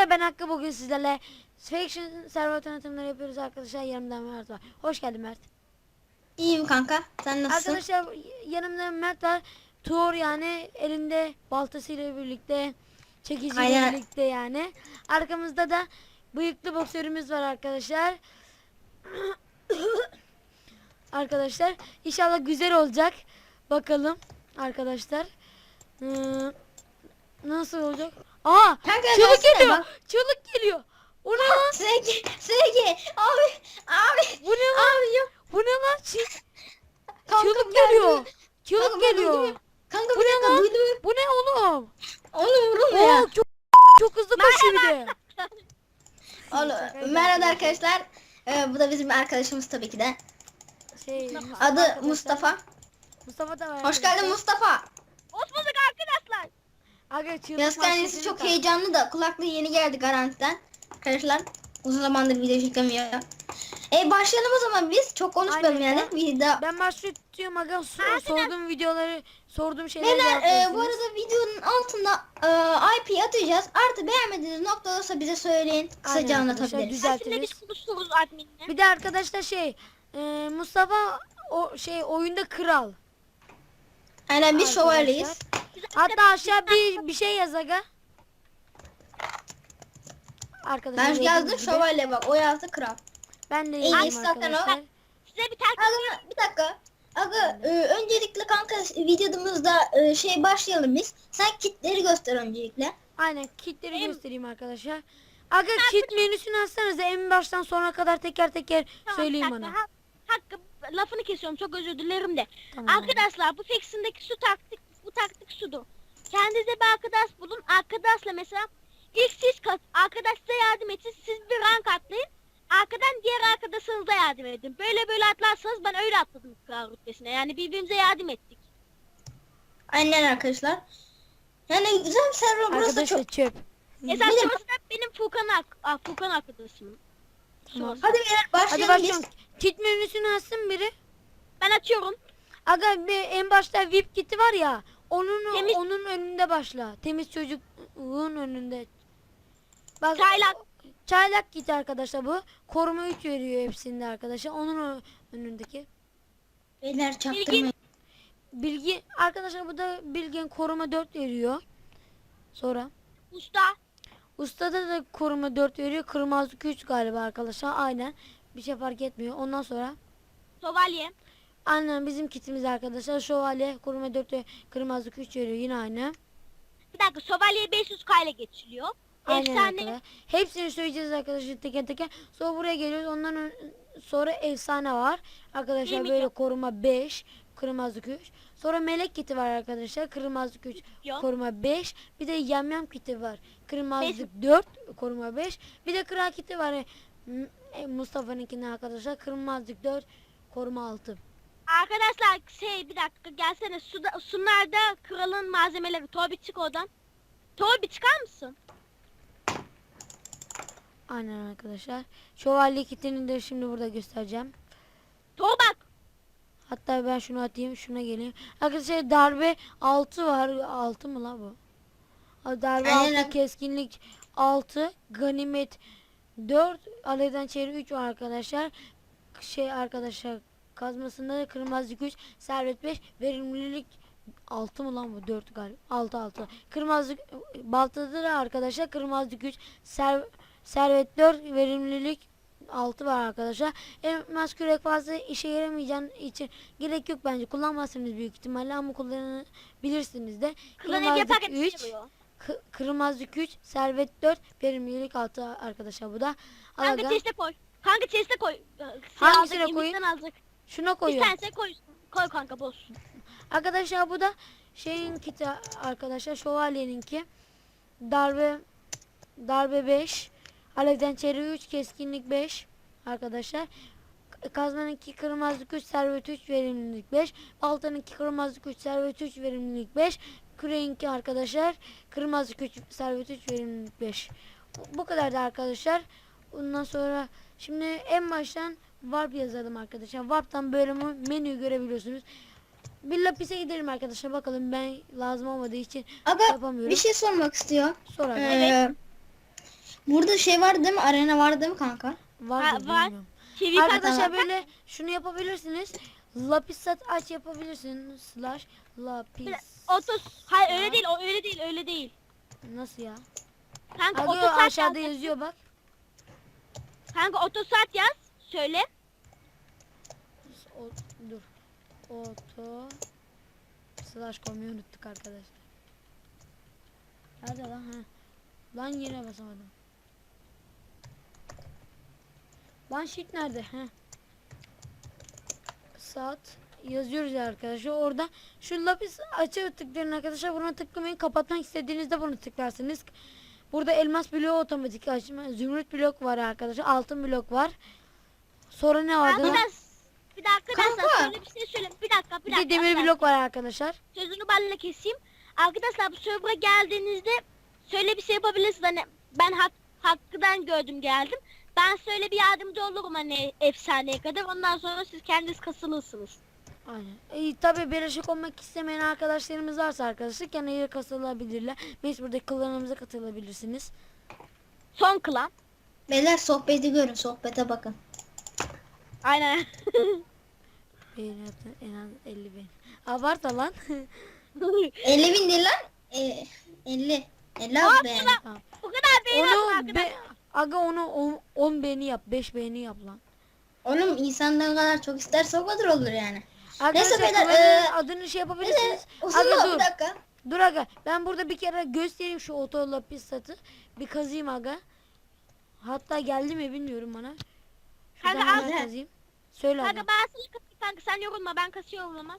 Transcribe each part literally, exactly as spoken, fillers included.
Arkadaşlar ben Hakkı, bugün sizlerle Faction server tanıtımları yapıyoruz arkadaşlar. Yanımda Mert var. Hoş geldin Mert. İyiyim kanka. Sen nasılsın? Arkadaşlar yanımda Mert var. Tuğur, yani elinde baltasıyla birlikte, çekiciyle Aynen. birlikte yani. Arkamızda da bıyıklı boksörümüz var arkadaşlar. Arkadaşlar inşallah güzel olacak. Bakalım arkadaşlar. Ee, nasıl olacak? Aa! Kanka Çığlık gelsene geliyor. bak. Çığlık geliyor. O ne lan? Sevgi, Sevgi. Abi, abi. Bu ne lan? Abi yok. Bu ne lan? Çığ Kanka çığlık ben geliyor. duydum. Çığlık Kanka ben geliyor. duydum. Kanka Bu bir ne dakika lan? duydum. Bu ne oğlum? Onu vurun Oo, ya. çok çok hızlı koşuyor bir de. Oğlum, merhaba arkadaşlar. Ee, bu da bizim arkadaşımız tabii ki de. Şey, Adı arkadaşlar, Mustafa. Mustafa da var. Hoş geldin Mustafa. Hoş bulduk arkadaşlar. Aga çığlık Yaz kendisi maskesini çok tak. heyecanlı da kulaklığı yeni geldi garantiden. Arkadaşlar uzun zamandır video çekemiyor. E başlayalım o zaman biz. Çok konuşmayalım Aynen yani. ya. Video. Ben başlıyorum aga. So- sorduğum videoları, sorduğum şeyleri Beyler e, bu cevaplıyorsunuz. arada videonun altında e, I P atacağız. Artı beğenmediğiniz nokta olursa bize söyleyin. Kısaca Aynen arkadaşlar, anlatabiliriz. güzel. Aslında Düzeltiriz. biz konuşuyoruz adminle. Bir de arkadaşlar şey, e, Mustafa o şey oyunda kral. Aynen biz Arkadaşlar. şövalyeyiz. Hatta aşağı bir bir şey yaz aga. Arkadaşlar Ben dediğim yazdım gibi. şövalye bak. O yazdı kral. Ben de En yazdım iyisi zaten o. arkadaşlar. Size bir tane Aga bir dakika. Aga e, öncelikle kanka videomuzda e, şey başlayalım biz. Sen kitleri göster öncelikle. Aynen, kitleri Benim- göstereyim arkadaşlar. Aga kit menüsünü açsanıza, en baştan sona kadar teker teker Tamam, söyleyin bir dakika. bana. Ha- Hakkı, lafını kesiyorum, çok özür dilerim de. Tamam. Arkadaşlar bu Faction'daki su taktik, bu taktik sudur. Kendinize bir arkadaş bulun. Arkadaşla mesela ilk siz kat, arkadaş size yardım etsin. Siz bir rank atlayın. Arkadan diğer arkadaşınıza yardım edin. Böyle böyle atlarsanız, ben öyle atladım kral rütbesine. Yani birbirimize yardım ettik. Aynen arkadaşlar. Yani güzel bir server burası da Arkadaşlar çok. çöp. Mesela Bir de- şurası da benim Furkan, ak ah, Furkan arkadaşım. Tamam. Hadi beyler Hadi başlayalım başlayalım. biz. Kit menüsünü açsın biri. Ben açıyorum. Aga bir en başta V I P kiti var ya. Onun Temiz- onun önünde başla. Temiz çocuğun önünde. Bak, Çaylak. Çaylak kit arkadaşlar bu. Koruma üç veriyor hepsinde arkadaşlar. Onun o- önündeki. Beyler çaktırmayın. Bilgi arkadaşlar, bu da Bilgen koruma dört veriyor. Sonra Usta. ustada da koruma dört veriyor. Kırmızı üç galiba arkadaşlar. Aynen. Bir şey fark etmiyor. Ondan sonra Şövalye. aynen bizim kitimiz arkadaşlar. Şövalye koruma dört ve kırmızı üç veriyor. Yine aynı. Bir dakika, şövalye beş yüz K ile geçiliyor. Aynen Efsane. arkadaşlar. Hepsini söyleyeceğiz arkadaşlar teker teker. Sonra buraya geliyoruz. Ondan ön- sonra efsane var. Arkadaşlar Yemin böyle yok. koruma beş. Kırmızı üç. Sonra melek kiti var arkadaşlar. Kırmızı üç. Yok. Koruma beş. Bir de yamyam kiti var. Kırmızı Beş. dört. Koruma beş. Bir de kral kiti var. M- e, Mustafa'nınkine arkadaşlar. Kırmızı dört. Koruma altı. Arkadaşlar şey, bir dakika gelsene, suda, sunlarda kralın malzemeleri. Tobi çık oradan. Tobi çıkar mısın? Aynen arkadaşlar. Şövalye kitini de şimdi burada göstereceğim. Tobi bak. Hatta ben şunu atayım, şuna geleyim. Arkadaşlar darbe altı var. altı mı la bu? Ha, darbe Aynen. altı, keskinlik altı, ganimet dört, alevden çevre üç var arkadaşlar. Şey arkadaşlar, kazmasında da kırmızı güç, servet beş, verimlilik altı mı lan bu? dört galiba. altı altı. Kırmızı baltada da arkadaşlar kırmızı güç, ser, servet dört, verimlilik altı var arkadaşlar. Elmas kürek fazla işe yaramayacağın için gerek yok bence. Kullanmazsınız büyük ihtimalle ama kullanabilirsiniz de. Klan ev yaparken üç, çıkıyor. K- kırmızı üç, servet dört, verimlilik altı arkadaşlar bu da. Al Kanka aga. chest'e koy. Kanka chest'e koy. Hangisine Aldık, koyayım? elimizden aldık. Şuna Bir koyuyorum. tanesine koy. Koy kanka, boş. Arkadaşlar bu da şeyin kiti arkadaşlar, şövalyeninki. Darbe darbe beş, alevden çevre üç, keskinlik beş arkadaşlar. K- Kazmanınki kırmızı üç, servet üç, verimlilik beş. Baltanınki kırmızı üç, servet üç, verimlilik beş. Küreğinki arkadaşlar kırmızı üç, servet üç, verimlilik beş. Bu, bu kadar da arkadaşlar. Ondan sonra şimdi en baştan warp yazalım arkadaşlar. Warp'tan bölümü menüyü görebiliyorsunuz. Bir lapise gidelim arkadaşlar, bakalım, ben lazım olmadığı için Aga yapamıyorum. bir şey sormak istiyor. Sonra Ee, Burada şey vardı değil mi? Arena vardı değil mi kanka? Var Ha, da var. bilmiyorum. Çevik Arkadaşlar atlar. böyle şunu yapabilirsiniz. Lapis sat aç yapabilirsiniz. Slash Bir lapis. de Otos. Hayır öyle değil. O öyle değil. Öyle değil. Nasıl ya? Kanka Abi otosat aşağıda yaz. yazıyor bak. Kanka otosat yaz. Söyle. O, dur. Auto slash koymayı unuttuk arkadaşlar. Nerede lan? Ha. Lan yine basamadım. Lan sheet nerede? He. Saat yazıyoruz ya arkadaşlar. Orada şu lapis açı tıklayın arkadaşlar. Buna tıklamayın. Kapatmak istediğinizde bunu tıklarsınız. Burada elmas bloğu otomatik açma. Zümrüt blok var arkadaşlar. Altın blok var. Sonra ne vardı? Kanka lan? ben bir dakika Kanka. arkadaşlar şöyle bir şey söyleyeyim. Bir dakika bir Bir dakika. de demir bir dakika. blok var arkadaşlar. Sözünü balla keseyim. Arkadaşlar bu server'a geldiğinizde şöyle bir şey yapabilirsiniz. Hani ben hak, hakkıdan gördüm geldim. Ben şöyle bir yardımcı olurum hani efsaneye kadar. Ondan sonra siz kendiniz kasılırsınız. Aynen. E, tabii birleşik olmak istemeyen arkadaşlarımız varsa arkadaşlar kenara katılabilirler. Biz burada klanımıza katılabilirsiniz. Son klan. Beyler sohbeti görün. Sohbete bakın. Aynen. Beğeni atın en az elli bin. Abartma lan. elli bin değil lan. E, elli. elli abi yani. Tamam. Bu kadar beğeni atın Onu arkadaşlar. be, aga onu on beğeni yap, beş beğeni yap lan. Oğlum insan ne kadar çok isterse o kadar olur yani. Arkadaşlar beyler, klanın e, adını şey Bir yapabilirsiniz. de Aga uzun dur. bir dakika. Dur aga. Ben burada bir kere göstereyim şu oto lapis satı. Bir kazıyım aga. Hatta geldi mi bilmiyorum bana. Şuradan Kanka, hemen al. kazıyım. Söyle aga. Kanka ben sana kasayım kanka sen yorulma ben kasıyorum ama.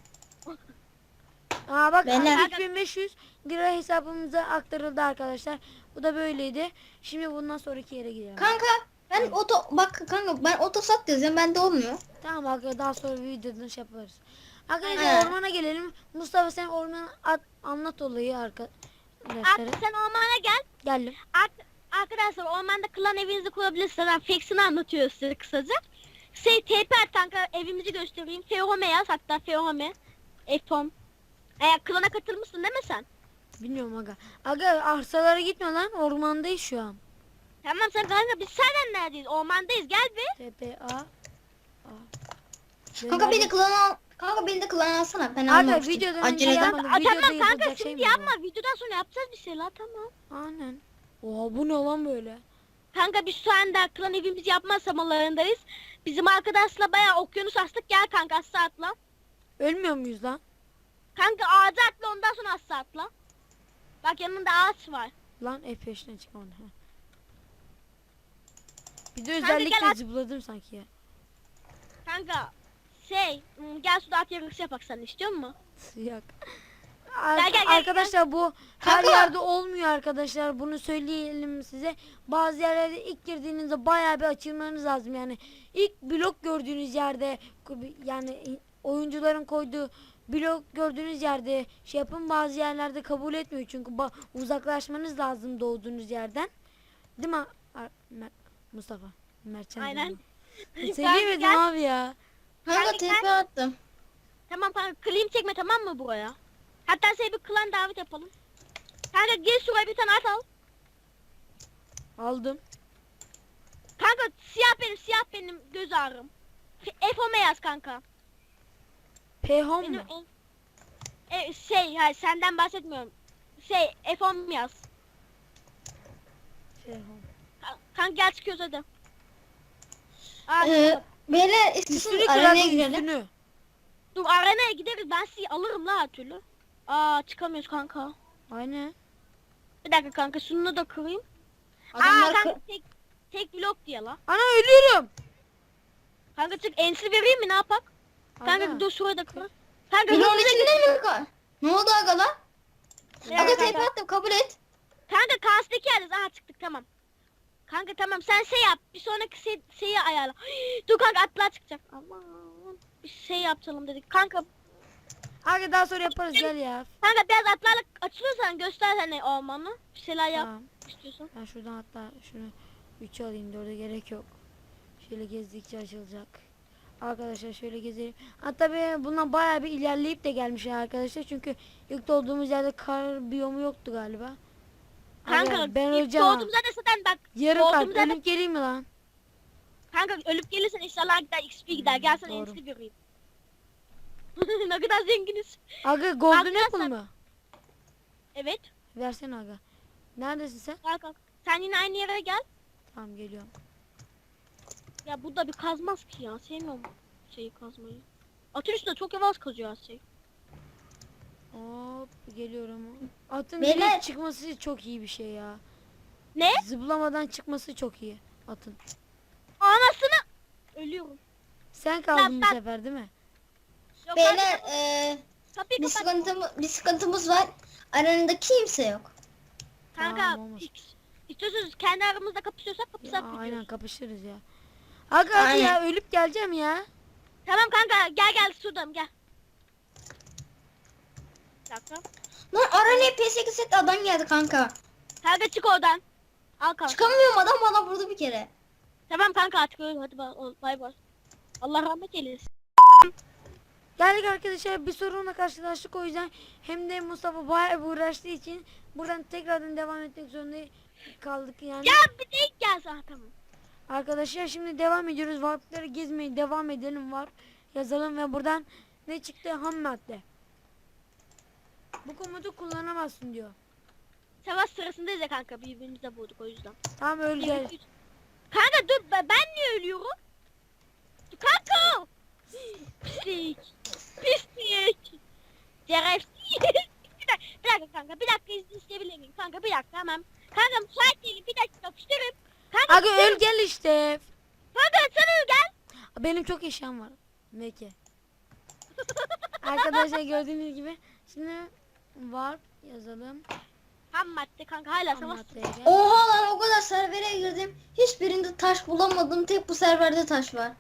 Aa bak Beyler. üç bin beş yüz lira hesabımıza aktarıldı arkadaşlar. Bu da böyleydi. Şimdi bundan sonraki yere gidelim. Kanka ben oto bak kanka ben otosat yazıyorum bende olmuyor. Tamam arkadaşlar daha sonra bir videodan şey yaparız. Arkadaşlar He. ormana gelelim. Mustafa sen ormana at, anlat olayı arkadaşlara. Artık sen ormana gel. Geldim. Ar- arkadaşlar ormanda klan evinizi kurabilirsiniz. Ben Fex'ini anlatıyor size kısaca. Şey T P at kanka evimizi göstereyim. Fehome yaz hatta Fehome. Efom. Eğer klana katılmışsın değil mi sen? Bilmiyorum aga. Aga arsalara gitme lan. Ormandayız şu an. Tamam sen kanka biz senden neredeyiz? Ormandayız gel bir. T P A. A. Kanka beni de klan al. Kanka beni de klan alsana. Ben Aga almamıştım. videodan önce Aceleden. yapmadım. Aa, Videoda tamam kanka yapılacak şey şimdi mi bu? yapma. Videodan sonra yapacağız bir şeyler tamam. Aynen. Oha bu ne lan böyle? Kanka biz şu anda klan evimizi yapma aşamalarındayız. Bizim arkadaşla bayağı okyanus astık. Gel kanka asla atla. Ölmüyor muyuz lan? Kanka ağaca atla ondan sonra asla atla. Bak yanında ağaç var. Lan F beşten çıkamadı. Ha. Bir de Kanka özellikle gel at- zıpladım sanki ya. Kanka şey hmm, gel suda at yarışı yapak sen istiyor musun? Yok. Gel, gel, gel, Arkadaşlar bu her Kanka. yerde olmuyor arkadaşlar. Bunu söyleyelim size. Bazı yerlerde ilk girdiğinizde bayağı bir açılmanız lazım. Yani ilk blok gördüğünüz yerde yani oyuncuların koyduğu blok gördüğünüz yerde şey yapın. Bazı yerlerde kabul etmiyor. Çünkü ba- uzaklaşmanız lazım doğduğunuz yerden. Değil mi Ar- Mer- Mustafa? Mertcan. Aynen. diyorum. Kanka Söyleyemedim gel. abi ya. Kanka Kanka, T P attım. Tamam kanka klim çekme tamam mı buraya? Hatta seni bir klan davet yapalım. Kanka gel şuraya bir tane at al. Aldım. Kanka siyah benim siyah benim göz ağrım. F O M yaz kanka. Pehom Benim mu? en- e, şey hayır senden bahsetmiyorum. Şey F O M yaz. Pehom. Ka- Kanka gel çıkıyoruz hadi. Aa, Ee, beyler istiyorsanız Üstünü arenaya kırardım girelim. üstünü. dur arenaya gideriz ben sizi alırım la her türlü. Aa çıkamıyoruz kanka. Aynen. Bir dakika kanka şunu da kırayım. Aa Adamlar kanka kı- tek, tek blok diye la. Ana ölüyorum. Kanka çık ensi vereyim mi ne yapak? Kanka Aga. dur şuraya da kır. Kanka Bloğun hızlıca git. içinde mi? ka- Ne oldu aga lan? Ya Aga T P kanka. attım kabul et. Kanka kastaki yeriz. Aha çıktık tamam. Kanka tamam sen şey yap. Bir sonraki şey, şeyi ayarla. Dur kanka atlar çıkacak. Aman. Bir şey yapalım dedik. Kanka Aga daha sonra yaparız gel ya. kanka biraz atlarla açılırsan göster hani ormanı. Bir şeyler yap Tamam. istiyorsan. Ben şuradan hatta şunu üçe alayım dörde gerek yok. Şöyle gezdikçe açılacak. Arkadaşlar şöyle gezelim. Hatta be bundan bayağı bir ilerleyip de gelmiş ya arkadaşlar. Çünkü ilk olduğumuz yerde kar biyomu yoktu galiba. Kanka Abi, ben ilk öleceğim ha. doğduğumuzda da zaten bak. Yarım kalp doğduğumuzda da- ölüp geleyim mi lan? Kanka ölüp gelirsen inşallah gider X P gider. Gel sana doğru. X P vereyim. Ne kadar zenginiz. Aga golden Arkadaşlar- apple mı? Evet. Versene aga. Neredesin sen? Gel kalk. Sen yine aynı yere gel. Tamam geliyorum. Ya burada bir kazmaz ki ya. Sevmiyorum şeyi kazmayı. Atın üstünde çok yavaş kazıyor her şey. Hop geliyorum. Atın Beyler- direkt çıkması çok iyi bir şey ya. Ne? Zıplamadan çıkması çok iyi atın. Anasını. Ölüyorum. Sen kaldın bu ben- sefer değil mi? Yok, Beyler kanka, eee kapıyı bir kapat. sıkıntımız, bir sıkıntımız var. Aranında kimse yok. Kanka Tamam, olmaz. X. İstiyorsanız kendi aramızda kapışıyorsak Ya, kapışsak aynen biliyoruz. kapışırız ya. Aga hadi Aynen. ya ölüp geleceğim ya. Tamam kanka gel gel sudam gel. Bir dakika. Lan aranaya P sekiz set adam geldi kanka. Kanka çık oradan. Al kanka. Çıkamıyorum, adam bana vurdu bir kere. Tamam kanka artık öyle hadi bay bay. bay. Allah rahmet eylesin. Geldik arkadaşlar bir sorunla karşılaştık o yüzden hem de Mustafa bayağı bir uğraştığı için buradan tekrardan devam etmek zorunda kaldık yani. Ya bir de ilk gel sana tamam. Arkadaşlar şimdi devam ediyoruz. Warp'ları gezmeye devam edelim var. Yazalım ve buradan ne çıktı? Ham madde. Bu komutu kullanamazsın diyor. Savaş sırasındayız ya kanka birbirimize vurduk o yüzden. Tamam öl gel. Kanka dur ben ben niye ölüyorum? Dur kanka. Pislik. Pislik. Şerefsiz. bir, dakika, bir dakika kanka bir dakika izin isteyebilir miyim? Kanka bir dakika tamam. Kanka müsait değilim bir dakika yapıştırırım. Kanka, Aga öl gel işte. kanka sen öl gel. Benim çok eşyam var. Peki. Arkadaşlar gördüğünüz gibi şimdi warp yazalım. Ham madde kanka hala Ham savaş. maddeye gel. Oha lan, o kadar servere girdim. Hiçbirinde taş bulamadım. Tek bu serverde taş var.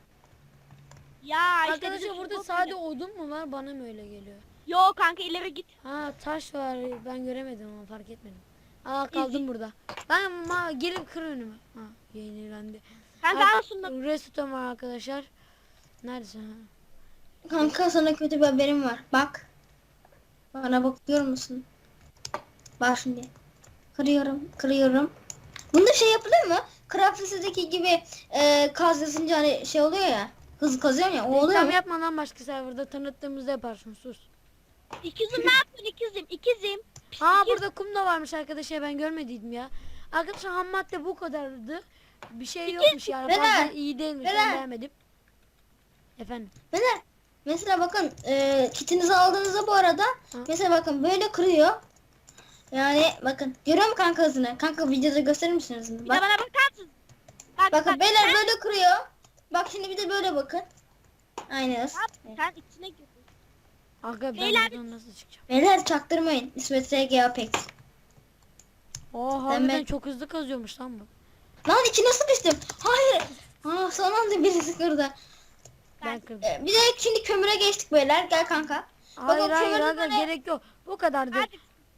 Ya işte Arkadaşlar bizim burada şu- sade odun mu var? Bana mı öyle geliyor? Yo kanka ileri git. Ha taş var. Ben göremedim ama fark etmedim. Aa kaldım İzi- burada. Ben ma gelip kır önümü. Ha yenilendi. Kanka Ar- al şunu. Restoran var arkadaşlar. Neredesin ha? Kanka sana kötü bir haberim var. Bak. Bana bakıyor musun? Bak şimdi. Kırıyorum, kırıyorum. Bunda şey yapılıyor mu? Craftless'daki gibi e, kaz yazınca hani şey oluyor ya. Hızlı kazıyorsun ya. O oluyor Reklam mu? yapmadan başka serverda tanıttığımızda yaparsın sus. İkizim ne yaptın ikizim ikizim. Ha İkiz- burada kum da varmış arkadaşlar ben görmediydim ya. Arkadaşlar ham madde bu kadardı. Bir şey yokmuş yani. Beyler, Fazla iyi değilmiş ben beyler. beğenmedim. Efendim. Mesela, mesela bakın e, kitinizi aldığınızda bu arada mesela bakın böyle kırıyor. Yani bakın görüyor musun kanka hızını? Kanka videoda gösterir misin hızını? Bir de Bak, bana bakar mısın? Bak, bakın bak, beyler sen- böyle kırıyor. Bak şimdi bir de böyle bakın. Aynen. Sen, sen içine girdin. Aga ben Beyler- buradan nasıl çıkacağım? Beyler çaktırmayın. İsmet R G Apex. Oo harbiden ben- çok hızlı kazıyormuş lan bu. Lan içine sıkıştım. Hayır. Aa, son anda birisi kırdı. Ben kırdım. E, bir de şimdi kömüre geçtik beyler. Gel kanka. Hayır bakın hayır kömürün aga böyle- gerek yok. Bu kadardı. Hadi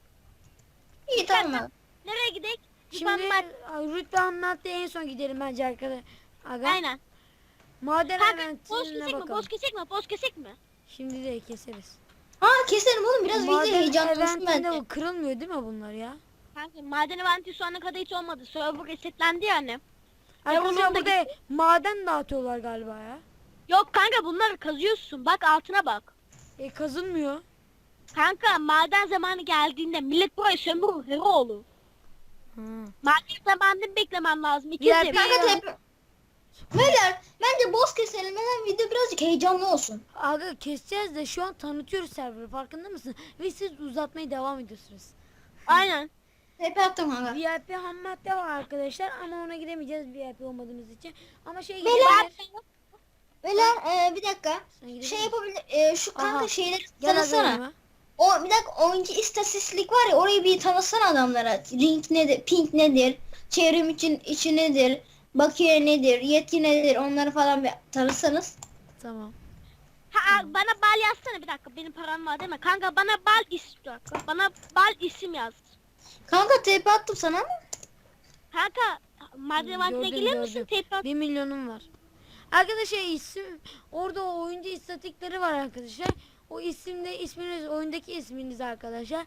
İyi tamam. nereye gidelim? Şimdi Şimdi... rütbe anlattı en son gidelim bence arkadaşlar. Aga. Aynen. Maden Kanka boz eventine kesek mi? bakalım. Boz kesek mi? Boz kesek mi? Şimdi de keseriz. Aa keselim oğlum, biraz video Maden heyecanlı olsun eventinde bence. o kırılmıyor değil mi bunlar ya? Kanka maden eventi şu ana kadar hiç olmadı. Server resetlendi yani. Arkadaşlar onun da burada maden dağıtıyorlar galiba ya. Yok kanka bunları kazıyorsun. Bak altına bak. E kazınmıyor. Kanka maden zamanı geldiğinde millet burayı sömürür. Hero olur. Ha. Maden zamanını beklemem lazım. Diğer İkizim. bir- Kanka tep... Beyler bence boz keselim. Neden video birazcık heyecanlı olsun. Aga keseceğiz de şu an tanıtıyoruz serverı farkında mısın? Ve siz uzatmaya devam ediyorsunuz. Aynen. Tepe attım kanka. V I P ham madde var arkadaşlar ama ona gidemeyeceğiz V I P olmadığımız için. Ama şey Beyler, gidebilir. Beyler e, bir dakika. Sen gidebilir Şey misin? yapabilir. E, şu kanka Aha. şeyleri Gel aga tanısana. yanıma. O bir dakika, oyuncu istatistik var ya, orayı bir tanısana adamlara. Link nedir? Ping nedir? Çevrim için içi nedir? Bakiye nedir? Yetki nedir? Onları falan bir tanısanız. Tamam. Ha, bana bal yazsana bir dakika. Benim param var değil mi? Kanka bana bal isim. bir dakika. Bana bal isim yaz. Kanka tepe attım sana ama. Kanka maden eventine Gördüm, gelir misin? gördüm. Tekrar. Bir milyonum var. Arkadaşlar isim orada o oyuncu istatikleri var arkadaşlar. O isimde isminiz oyundaki isminiz arkadaşlar.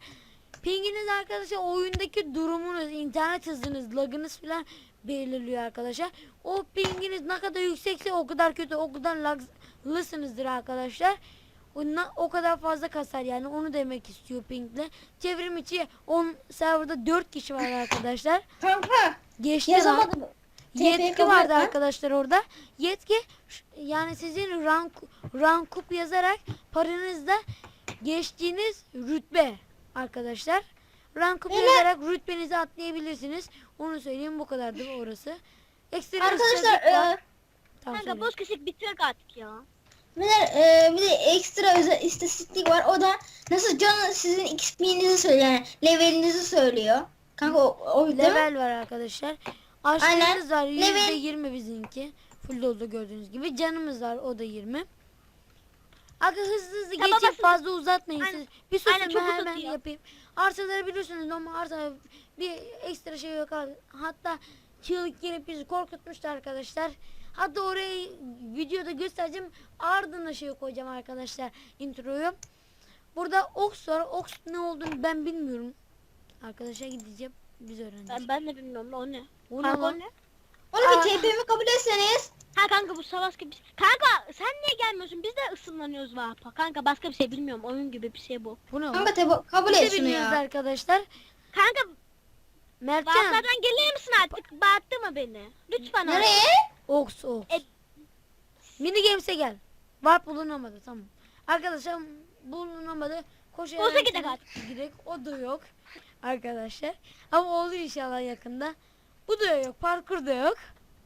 Pinginiz arkadaşlar oyundaki durumunuz, internet hızınız, lagınız falan belirliyor arkadaşlar. O pinginiz ne kadar yüksekse o kadar kötü, o kadar laglısınızdır arkadaşlar. Ondan o kadar fazla kasar yani, onu demek istiyor pingle. Çevrim içi on serverda dört kişi var arkadaşlar. Kanka Geçti lan. yazamadım. T P Yetki kabul vardı etme. arkadaşlar orada. Yetki ş- yani sizin rank rankup yazarak paranızda geçtiğiniz rütbe arkadaşlar. Rankup Beyler- yazarak rütbenizi atlayabilirsiniz. Onu söyleyeyim, bu kadardı orası. Ekstra Arkadaşlar istatistik var. e, Tamam, Kanka söyle. boz kesik bitirek artık ya. Beyler, e, bir de ekstra özel istatistik var. O da nasıl canı sizin X P'nizi söylüyor. Yani levelinizi söylüyor. Kanka o, o değil mi? Level var arkadaşlar. Aşklarımız var. Level- yüzde yirmi bizimki. Full doldu gördüğünüz gibi. Canımız var. O da yirmi. Aga hızlı hızlı Tamam, geçin, basın. fazla uzatmayın. Aynen. Siz bir susun, Aynen, çok ben hemen uzatıyor. yapayım. Arsaları biliyorsunuz ama arsa bir ekstra şey yok abi. Hatta çığlık gelip bizi korkutmuştu arkadaşlar. Hatta orayı videoda göstereceğim. Ardına şey koyacağım arkadaşlar, introyu. Burada Ox var. Ox ne olduğunu ben bilmiyorum. Arkadaşa gideceğim. Biz öğreneceğiz. Ben, ben de bilmiyorum o ne. O ne Kanka lan? o ne? Onu Aa. bir T P'mi kabul etseniz. Ha kanka bu savaş gibi bir şey. Kanka sen niye gelmiyorsun? Biz de ısınlanıyoruz vapa. Kanka başka bir şey bilmiyorum. Oyun gibi bir şey bu. Bu ne lan? Kanka te- kabul Biz de et şunu bilmiyoruz ya. arkadaşlar. Kanka Mertcan. vaplardan gelir misin artık? Bağırtma beni. Lütfen abi. Nereye? Ox Ox. E- Mini Games'e gel. Warp bulunamadı, tamam. Arkadaşlar bulunamadı. Koşarak Olsa gidelim gidelim. Gidelim. O da yok. Arkadaşlar. Ama olur inşallah yakında. Bu da yok. Parkur da yok.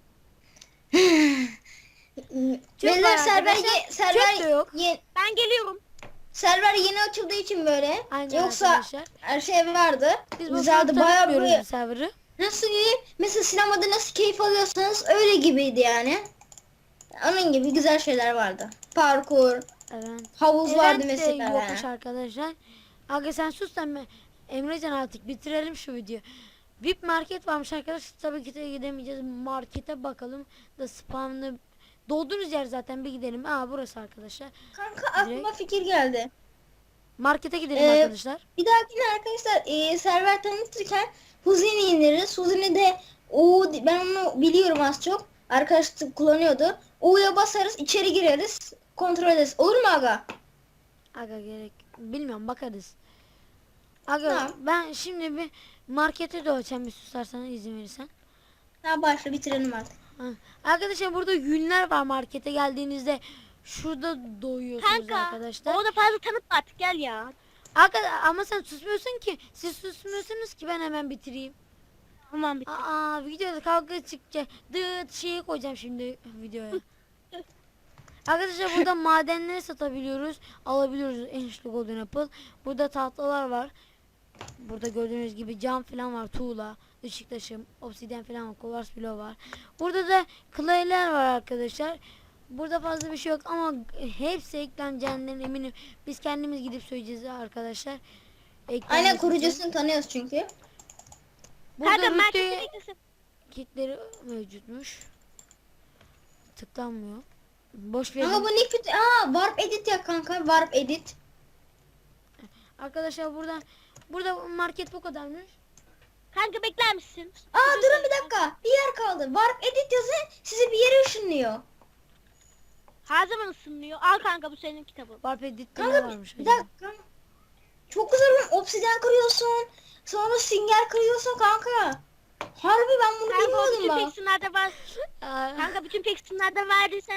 Çöp var Beyler server arkadaşlar. ye- server Çöp de yok. ye- Ben geliyorum. server yeni açıldığı için böyle. Aynen Yoksa arkadaşlar. her şey vardı. Biz bu Güzeldi. Bayağı bir böyle server'ı. nasıl diyeyim? Mesela sinemada nasıl keyif alıyorsanız öyle gibiydi yani. Onun gibi güzel şeyler vardı. Parkur, Evet. havuz vardı Event de mesela. yokmuş arkadaşlar. Aga sen sus sen be. Emrecan, artık bitirelim şu videoyu. V I P market varmış arkadaşlar. Tabii ki de gidemeyeceğiz. Markete bakalım da spamlı. Dolduğunuz yer zaten, bir gidelim. Aa burası arkadaşlar. Kanka aklıma Direkt- fikir geldi. Markete gidelim Ee, arkadaşlar. Bir dahakine arkadaşlar e, server tanıtırken Huzini indiririz. Huzini de U, ben onu biliyorum az çok. Arkadaşlık kullanıyordu. U'ya basarız, içeri gireriz, kontrol ederiz. Olur mu aga? Aga gerek bilmiyorum, bakarız. Aga Tamam. ben şimdi bir markete doğacağım, bir susarsan, izin verirsen. Tamam başla, bitirelim artık. Ha. Arkadaşlar burada yünler var, markete geldiğinizde şurada doyuyorsunuz Kanka arkadaşlar. o da fazla tanıtma artık gel ya. Aga, ama sen susmuyorsun ki. Siz susmuyorsunuz ki ben hemen bitireyim. Aman bitti. Aa videoda kavga çıkacak. Dıt şeyi koyacağım şimdi videoya. Arkadaşlar burada madenleri satabiliyoruz. Alabiliyoruz enişli golden apple. Burada tahtalar var. Burada gördüğünüz gibi cam falan var. Tuğla, ışık taşım, obsidyen falan var. Kovars bloğu var. Burada da clay'ler var arkadaşlar. Burada fazla bir şey yok ama hepsi ekleneceğinden eminim. Biz kendimiz gidip söyleyeceğiz arkadaşlar. Eklenmesi Aynen, için. kurucusunu tanıyoruz çünkü. Burada Kanka rütbe markete beklesin. kitleri mevcutmuş. Tıklanmıyor. Boş verin. Ama bu ne kötü. Aa, warp edit ya kanka, warp edit. Arkadaşlar burada burada market bu kadarmış. Kanka bekler misin? Aa durun bir dakika. Bir yer kaldı. Warp edit yazın, sizi bir yere ışınlıyor. Her zaman ısınmıyor. Al kanka bu senin kitabın. Warp edit'te ne Kanka varmış bir acaba? dakika. Çok güzel oğlum. Obsidyen kırıyorsun. Sonra sünger kırıyorsun kanka. Harbi ben bunu Kanka o bilmiyordum bütün bak. peksinlerde var. Aa, Kanka bütün peksinlerde var desem.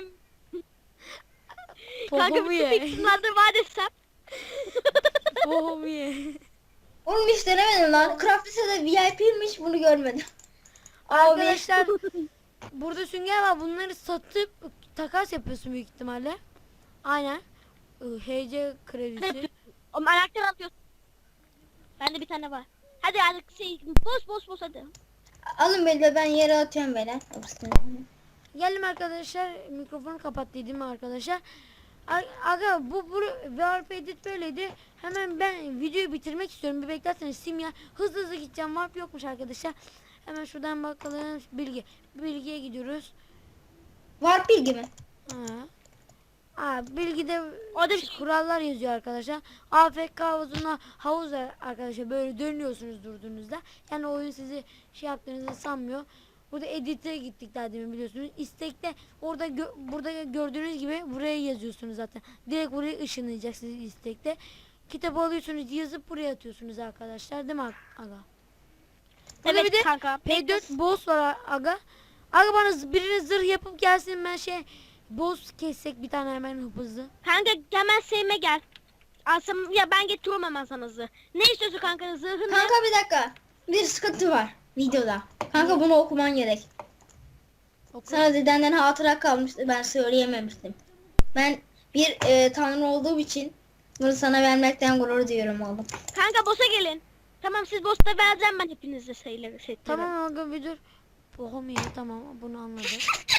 Kanka Popomu bütün ye. peksinlerde var desem. Popomu ye. Oğlum hiç denemedim lan. Craft Lise'de V I P'ymiş, bunu görmedim. Abi. Arkadaşlar burada sünger var. Bunları satıp takas yapıyorsun büyük ihtimalle. Aynen. Ee, H C kredisi. O anahtar alıyorsun. Bende bir tane var. Hadi artık şey boz boz boz hadi. Alın beni de, ben yere atıyorum böyle. Geldim arkadaşlar. Mikrofonu kapattıydım arkadaşlar. A- Aga bu bu Warp edit böyleydi. Hemen ben videoyu bitirmek istiyorum. Bir beklerseniz simya. Hızlı hızlı gideceğim. Warp yokmuş arkadaşlar. Hemen şuradan bakalım. Bilgi. Bilgiye gidiyoruz. Warp bilgi mi? Ha. Aa, bilgide Orada bir şey- kurallar yazıyor arkadaşlar. A F K havuzuna havuz var arkadaşlar, böyle dönüyorsunuz durduğunuzda. Yani oyun sizi şey yaptığınızı sanmıyor. Burada edit'e gittik daha demin biliyorsunuz. İstekte orada gö burada gördüğünüz gibi buraya yazıyorsunuz zaten. Direkt buraya ışınlayacak sizi istekte. Kitap alıyorsunuz, yazıp buraya atıyorsunuz arkadaşlar, değil mi aga? Burada Evet bir de kanka. P dört boss var aga. Aga bana z- birine zırh yapıp gelsin, ben şey boss kessek bir tane hemen hızlı. Kanka hemen Sevime gel. Asım ya ben getiriyorum hemen sana zırh. Ne istiyorsun kanka, zırhını? Kanka bir dakika. Bir sıkıntı var videoda. Kanka bunu okuman gerek. Oku. Sana dedenden hatıra kalmıştı, ben söyleyememiştim. Ben bir e, tanrı olduğum için bunu sana vermekten gurur duyuyorum oğlum. Kanka boss'a gelin. Tamam siz boss'ta vereceğim ben hepinize sayıları setleri. Tamam aga bir dur. Pohomiye, tamam bunu anladık.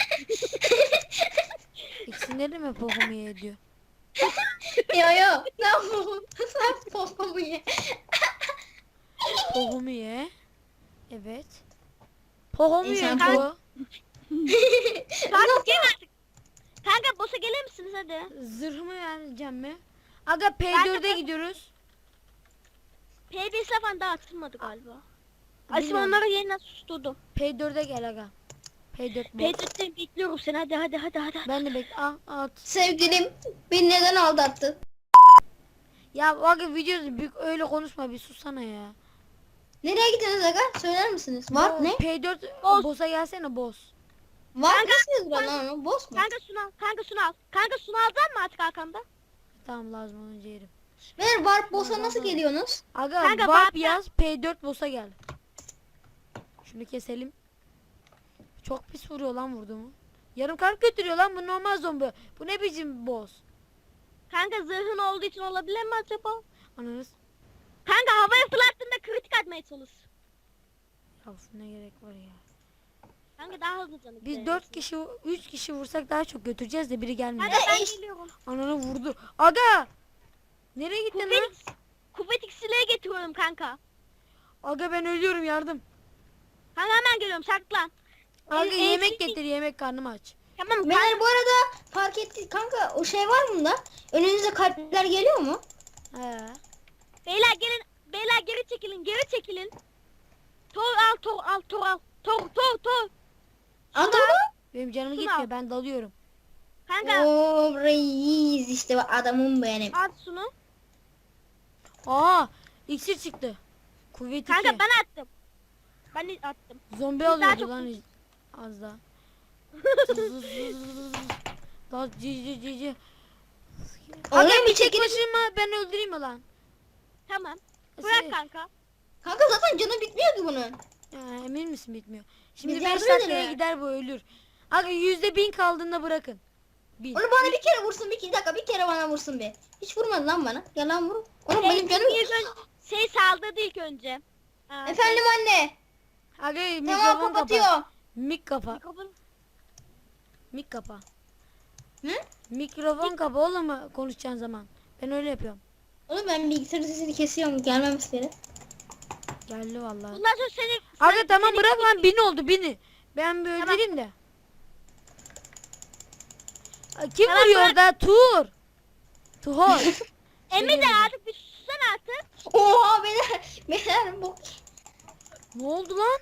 İkisinde de mi Pohomiye diyor? Yo yo. Ne yapalım? Sen popomu ye. Pohomiye. Evet. Pohomiye İnsan bu. Kanka gelin artık. Kanka boss'a gelir misiniz hadi? Zırhımı vereceğim mi? Aga P dörde Ben de- gidiyoruz. P B S falan daha atılmadı galiba. Asim Bilmiyorum. onları yeniden susturdum. P dörde gel aga. P dört bu. P dörtte bekliyorum seni, hadi hadi hadi hadi. Ben de bekle. Ah, at. Sevgilim beni neden aldattın? Ya aga videoda büyük öyle konuşma, bir susana ya. Nereye gittiniz aga? Söyler misiniz? Var Bu ne? P dört Boss. boss'a gelsene boss. Var nasıl yazıyor lan onu? Boss mu? Kanka şunu al, kanka şunu al. Kanka şunu alacak mı artık arkamda? Tamam, lazım olunca yerim. Ver Warp boss'a nasıl geliyorsunuz? Aga Kanka, warp bak- yaz, P dört boss'a gel. Şunu keselim. Çok pis vuruyor lan vurduğumu. Yarım kalp götürüyor lan, bu normal zombi. Bu ne biçim boss? Kanka zırhın olduğu için olabilir mi acaba? Ananız. Kanka havaya fırlattığında kritik atmaya çalış. Ya ne gerek var ya. Kanka daha hızlı canım. Biz dört kişi, üç kişi vursak daha çok götüreceğiz de biri gelmiyor. Hadi ben eş- geliyorum. Ananı vurdu. Aga! Nereye gittin lan? Kuvvet, kuvvet iksirleri getiriyorum kanka. Aga ben ölüyorum, yardım. Kanka hemen geliyorum, saklan. Aga El- yemek el- getir, yemek, karnım aç. Tamam kanka. Beyler bu arada fark etti kanka, o şey var mı da? Önünüze kalpler geliyor mu? He. Beyler gelin. Beyler geri çekilin, geri çekilin. Tor al, tor al, tor al. Tor, tor, tor. Adamı? Benim canım Şunu gitmiyor, al. ben dalıyorum. Kanka Oo reis işte bak adamım benim. at şunu. Aa, iksir çıktı. Kuvvet Kanka iki. ben attım. Ben de attım. Zombi daha alıyordu çok- lan az daha. Daha cici cici. Aga Oraya bir bir çek çekilin. başıma, ben öldüreyim mi lan? Tamam. Şey- Bırak kanka. Kanka zaten canı bitmiyor ki bunun. Ya, emin misin bitmiyor? Şimdi Biz beş yardım dakikaya edelim. gider bu, ölür. Aga yüzde bin kaldığında bırakın. Bin. Onu bana bir kere vursun, bir iki dakika bir kere bana vursun be. Hiç vurmadı lan bana. Gel lan vur. Oğlum Şey, benim canım. ilk ön- şey saldırdı ilk önce. Aa, Efendim anne. Aga Tamam mikrofon kapa. kapatıyor. Mik kapa. mikrofon- Mik kapa. Hı? Mikrofon kapa oğlum konuşacağın zaman. Ben öyle yapıyorum. Oğlum ben bilgisayarın sesini kesiyorum. Gelmemesi Geldi vallahi. Bundan sonra seni... Aga seni- tamam seni- bırak lan, bin oldu bini. Ben bir Tamam. öldüreyim de. Ay, Kim Tamam, vuruyor bırak. orada? Tur. Tuhor. Emre de artık bir sussan artık. Oha beyler. Beyler bu. Ne oldu lan?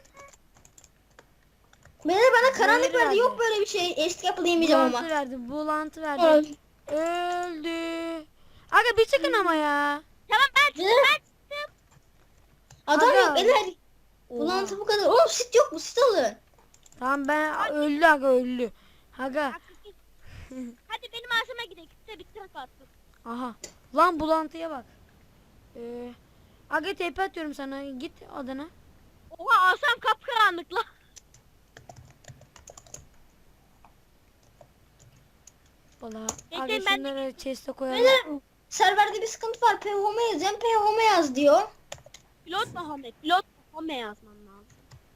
Beyler bana karanlık Böyle verdi. Yok verdi. böyle bir şey. Eski yapılayamayacağım Bulantı ama. verdi. Bulantı verdi. Öl. Öldü. Aga bir çıkın ama ya. Tamam ben çıktım, Beyler. ben çıktım. Adam Aga. yok beyler. Oha. Bulantı bu kadar. Oğlum sit yok mu? Sit alın. Tamam ben öldü aga, öldü. Aga. Hadi benim ağzıma gidelim. Bitti bitti kapattım. Aha. Lan bulantıya bak. Ee, aga tepe atıyorum sana. Git odana. Oha asam kapkaranlık lan. Valla. Bekleyin, Aga ben- şunları chest'e koyalım. Beyler serverde bir sıkıntı var. P home yaz. Hem P home yaz diyor. Pilot Muhammed. Pilot Muhammed yazman lazım.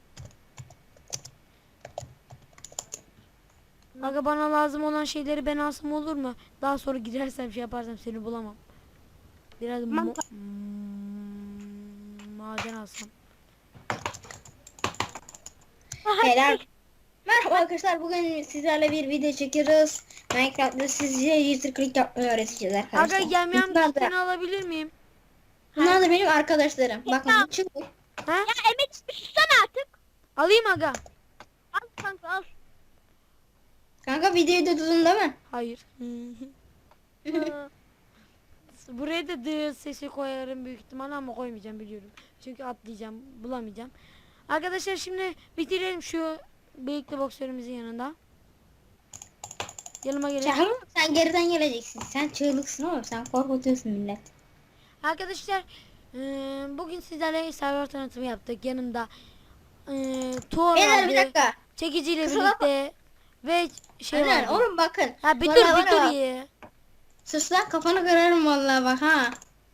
Aga bana lazım olan şeyleri ben alsam olur mu? Daha sonra gidersem şey yaparsam seni bulamam. Biraz Tamam, mo- hmm, maden alsam. Aha, Beyler. dur. Merhaba arkadaşlar, bugün sizlerle bir video çekiyoruz. Minecraft'ta sizce user click yapmayı öğreteceğiz arkadaşlar. Aga yemyem Bunlar kitini da, alabilir miyim? bunlar da benim arkadaşlarım. Bakın bu çubuk. Ha? Ya Emet bir sussana artık. Alayım aga. Al kanka al. Kanka videoyu da tutun değil mi? Hayır. Hı. Buraya da dı sesi koyarım büyük ihtimalle ama koymayacağım biliyorum. Çünkü atlayacağım, bulamayacağım. Arkadaşlar şimdi bitirelim şu bıyıklı boksörümüzün yanında. Yanıma gelin. Çağırma, sen geriden geleceksin. Sen çığlıksın oğlum, sen korkutuyorsun millet. Arkadaşlar eee, bugün sizlerle server tanıtımı yaptık. Yanımda eee Tuğ Beyler bir vardı, dakika. çekiciyle Kusura birlikte ve şey Aynen, vardı. oğlum bakın. Ha bir dur Vallahi bir dur bana- ya. Sus lan, kafanı kırarım vallahi bak ha.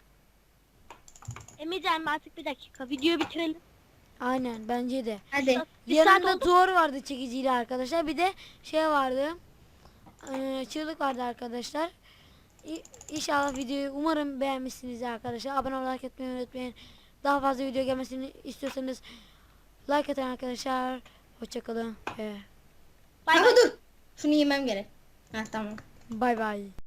Emircan artık bir dakika. Videoyu bitirelim. Aynen bence de. Hadi. Bir saat Yanında oldu. Tuğ vardı çekiciyle arkadaşlar. Bir de şey vardı. eee, çığlık vardı arkadaşlar. İ- İnşallah videoyu umarım beğenmişsiniz arkadaşlar. Abone olmayı, like etmeyi unutmayın. Daha fazla video gelmesini istiyorsanız like atın arkadaşlar. Hoşçakalın ve Bay Kanka bay. dur. Şunu yemem gerek. Ha tamam. bay bay.